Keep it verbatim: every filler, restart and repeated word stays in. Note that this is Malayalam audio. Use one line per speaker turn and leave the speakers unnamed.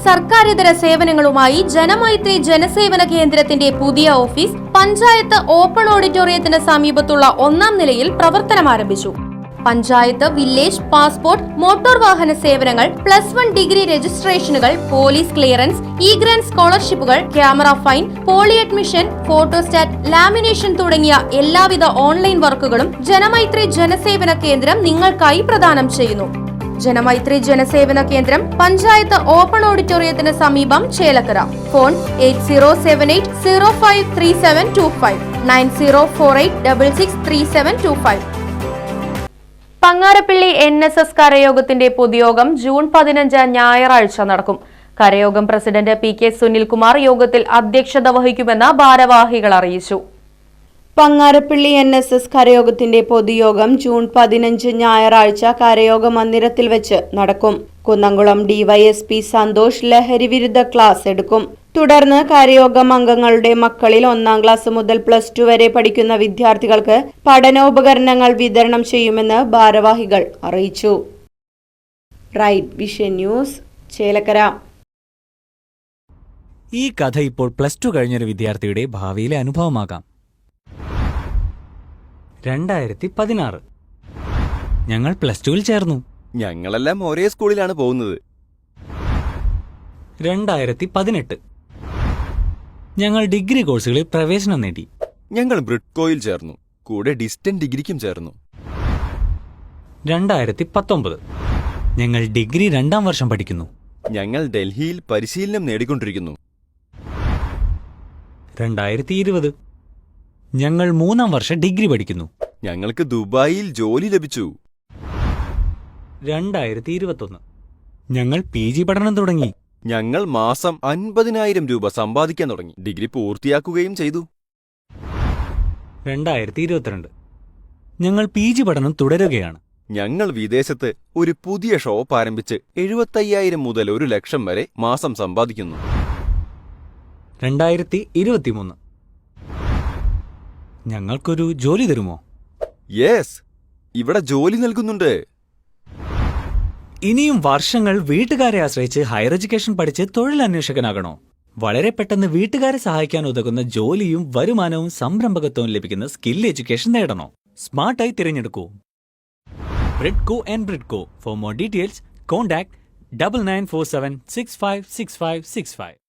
സർക്കാരിതര സേവനങ്ങളുമായി ജനമൈത്രി ജനസേവന കേന്ദ്രത്തിന്റെ പുതിയ ഓഫീസ് പഞ്ചായത്ത് ഓപ്പൺ ഓഡിറ്റോറിയത്തിന് സമീപത്തുള്ള ഒന്നാം നിലയിൽ പ്രവർത്തനം ആരംഭിച്ചു. പഞ്ചായത്ത്, വില്ലേജ്, പാസ്പോർട്ട്, മോട്ടോർ വാഹന സേവനങ്ങൾ, പ്ലസ് വൺ ഡിഗ്രി രജിസ്ട്രേഷനുകൾ, പോലീസ് ക്ലിയറൻസ്, ഇ ഗ്രാന്റ് സ്കോളർഷിപ്പുകൾ, camera fine, poly admission, photostat, lamination തുടങ്ങിയ എല്ലാവിധ ഓൺലൈൻ വർക്കുകളും ജനമൈത്രി ജനസേവന കേന്ദ്രം നിങ്ങൾക്കായി പ്രദാനം ചെയ്യുന്നു. ജനമൈത്രി ജനസേവന കേന്ദ്രം പഞ്ചായത്ത് ഓപ്പൺ ഓഡിറ്റോറിയത്തിന് സമീപം, Chelakkara. Phone eight zero seven eight zero five three seven two five nine zero four eight double six three seven two five. Pangarappally N S S കരയോഗത്തിന്റെ പൊതുയോഗം ജൂൺ പതിനഞ്ച് ഞായറാഴ്ച നടക്കും. കരയോഗം പ്രസിഡന്റ് പി കെ സുനിൽകുമാർ യോഗത്തിൽ അധ്യക്ഷത വഹിക്കുമെന്ന് ഭാരവാഹികൾ അറിയിച്ചു.
പങ്ങാരപ്പള്ളി എൻ എസ് എസ് കരയോഗത്തിന്റെ പൊതുയോഗം ജൂൺ പതിനഞ്ച് ഞായറാഴ്ച കരയോഗ മന്ദിരത്തിൽ വെച്ച് നടക്കും. കുന്നംകുളം ഡിവൈഎസ്പി സന്തോഷ് ലഹരി വിരുദ്ധ ക്ലാസ് എടുക്കും. തുടർന്ന് കരയോഗം അംഗങ്ങളുടെ മക്കളിൽ ഒന്നാം ക്ലാസ് മുതൽ പ്ലസ് ടു വരെ പഠിക്കുന്ന വിദ്യാർത്ഥികൾക്ക് പഠനോപകരണങ്ങൾ വിതരണം ചെയ്യുമെന്ന് ഭാരവാഹികൾ അറിയിച്ചു. Right Vision News, Chelakkara.
ഈ കഥ ഇപ്പോൾ പ്ലസ് ടു കഴിഞ്ഞൊരു വിദ്യാർത്ഥിയുടെ ഭാവിയിലെ അനുഭവമാകാം. രണ്ടായിരത്തി പതിനാറ് ഞങ്ങൾ പ്ലസ് ടുവിൽ ചേർന്നു.
ഞങ്ങളെല്ലാം ഒരേ സ്കൂളിലാണ് പോകുന്നത്.
രണ്ടായിരത്തി പതിനെട്ട് ഞങ്ങൾ ഡിഗ്രി കോഴ്സുകളിൽ പ്രവേശനം നേടി.
ഞങ്ങൾ ബ്രിഡ്കോയിൽ ചേർന്നു, കൂടെ ഡിസ്റ്റന്റ് ഡിഗ്രിക്കും ചേർന്നു.
രണ്ടായിരത്തി പത്തൊമ്പത് ഞങ്ങൾ ഡിഗ്രി രണ്ടാം വർഷം പഠിക്കുന്നു.
ഞങ്ങൾ ഡൽഹിയിൽ പരിശീലനം നേടിക്കൊണ്ടിരിക്കുന്നു.
രണ്ടായിരത്തി ഇരുപത് ഞങ്ങൾ മൂന്നാം വർഷം ഡിഗ്രി പഠിക്കുന്നു.
ഞങ്ങൾക്ക് ദുബായിൽ ജോലി ലഭിച്ചു.
രണ്ടായിരത്തി ഇരുപത്തൊന്ന് ഞങ്ങൾ പി ജി പഠനം തുടങ്ങി.
ഞങ്ങൾ മാസം അൻപതിനായിരം രൂപ സമ്പാദിക്കാൻ തുടങ്ങി. ഡിഗ്രി പൂർത്തിയാക്കുകയും ചെയ്തു.
രണ്ടായിരത്തി ഇരുപത്തിരണ്ട് ഞങ്ങൾ പി ജി പഠനം തുടരുകയാണ്.
ഞങ്ങൾ വിദേശത്ത് ഒരു പുതിയ ഷോപ്പ് ആരംഭിച്ച് എഴുപത്തയ്യായിരം മുതൽ ഒരു ലക്ഷം വരെ മാസം സമ്പാദിക്കുന്നു.
രണ്ടായിരത്തി ഇരുപത്തിമൂന്ന് ഞങ്ങൾക്കൊരു ജോലി തരുമോ?
യെസ്, ഇവിടെ ജോലി നൽകുന്നുണ്ട്.
ഇനിയും വർഷങ്ങൾ വീട്ടുകാരെ ആശ്രയിച്ച് ഹയർ എഡ്യൂക്കേഷൻ പഠിച്ച് തൊഴിലന്വേഷകനാകണോ? വളരെ പെട്ടെന്ന് വീട്ടുകാരെ സഹായിക്കാൻ ഉതകുന്ന ജോലിയും വരുമാനവും സംരംഭകത്വവും ലഭിക്കുന്ന സ്കിൽ എഡ്യൂക്കേഷൻ നേടണോ? സ്മാർട്ടായി തിരഞ്ഞെടുക്കൂ Bridco and Bridco. For more details contact double nine four seven six five six five six five.